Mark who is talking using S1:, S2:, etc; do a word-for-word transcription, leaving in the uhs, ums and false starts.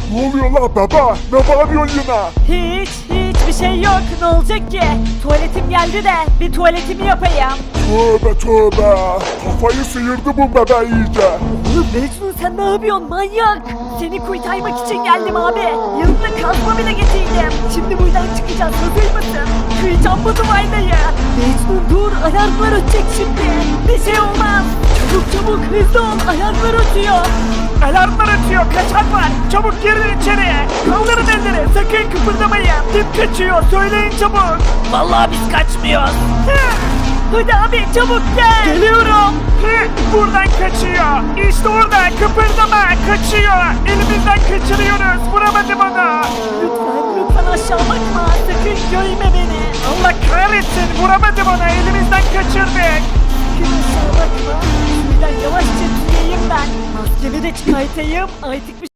S1: Ne oluyor la baba? Ne bağırıyorsun yine?
S2: Hiç hiçbir şey yok. Ne olacak ki? Tuvaletim geldi de bir tuvaletimi yapayım.
S1: Tövbe tövbe. Kafayı sıyırdı bu bebe iyice.
S2: Oğlum Mecnun sen ne yapıyorsun manyak? Seni kurtarmak için geldim abi. Yanımda kazma bile getirdim. Şimdi buradan çıkacağız. Hazır mısın? Kıracağım bu duvarlayı. Mecnun dur. Alarmlar ötecek şimdi. Bir şey olmaz. Çabuk çabuk hızlı ol. Alarmlar ötüyor. Alarmlar ötüyor. Kaçak var. Çabuk girin içeriye. Kaldırın elleri. Sakın kıpırdamayın. Kim kaçıyor? Söyleyin çabuk. Vallahi biz kaçmıyoruz. Hadi abi çabuk gel. Geliyorum. Buradan kaçıyor. İşte orada kıpırdama kaçıyor. Elimizden kaçırıyoruz. Vuramadım onu. Lütfen lütfen aşağı bakma. Sakın görme beni. Allah kahretsin. Vuramadım onu. Elimizden kaçırdık. Sakın aşağı bakma. Şuradan yavaşça tüyeyim ben. Maskemi de çıkartayım. Artık bir